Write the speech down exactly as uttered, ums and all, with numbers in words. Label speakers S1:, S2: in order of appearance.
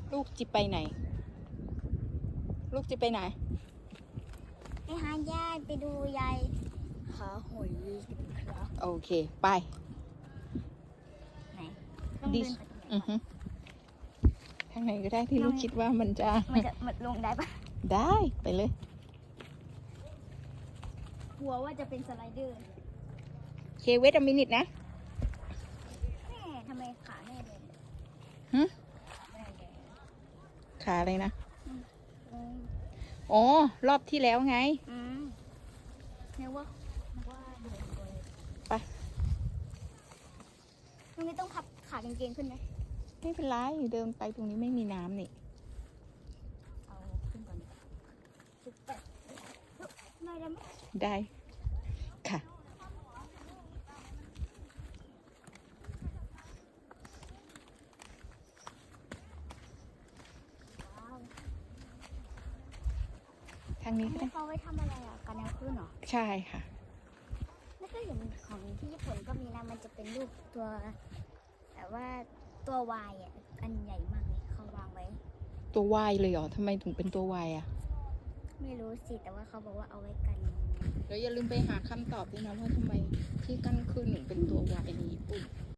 S1: ลูกจิไปไหน ลูกจิไปไหน
S2: ไปหาญาติไปดูยายหาหอยครับ
S1: โอเค ไป
S2: ไหนต้อง
S1: ดิ
S2: เดินไปตรงไหน
S1: อือฮึทางไหนก็ได้ที่ลูกคิดว่ามันจะ
S2: มันจะมันลงได้ปะ
S1: ได้ไปเลย
S2: กลัวว่าจะเป็นสไลเดอร์
S1: เคเวทมินิทนะ
S2: แม่ทำไมขาแม่เดิน
S1: หึ
S2: แม่เดิน
S1: ขาอะไรนะ
S2: อืม
S1: อ๋อ รอบที่แล้วไง
S2: อืมนึกว่านึกว่าเดินไป
S1: ไป
S2: ตรงนี้ต้องพับขากางเกงขึ้นไหม
S1: ไม่เป็นไร เดินไปตรงนี้ไม่มีน้ำนี่
S2: เอาขึ้นก่อนสุดแปดไม่ได้ไหม
S1: ได้ ค่ะ
S2: ว้าว
S1: ทางนี้
S2: อัน
S1: ก็ได้
S2: นี้เขาไว้ทำอะไรอ่ะกันแนวขึ้นเหรอ
S1: ใช่ค่ะ
S2: ไม่เคยเห็นของที่ญี่ปุ่นก็มีนะมันจะเป็นรูปตัวแต่ว่าตัววายอ่ะอันใหญ่มากเลยเขาวางไว้
S1: ตัววายเลยเหรอทำไมถึงเป็นตัววายอ่ะ
S2: ไม่รู้สิแต่ว่าเขาบอกว่าเอาไว้กัน
S1: แล้วอย่าลืมไปหาคำตอบด้วยนะว่าทำไมที่กั้นขึ้นถึงเป็นตัววายในญี่ปุ่น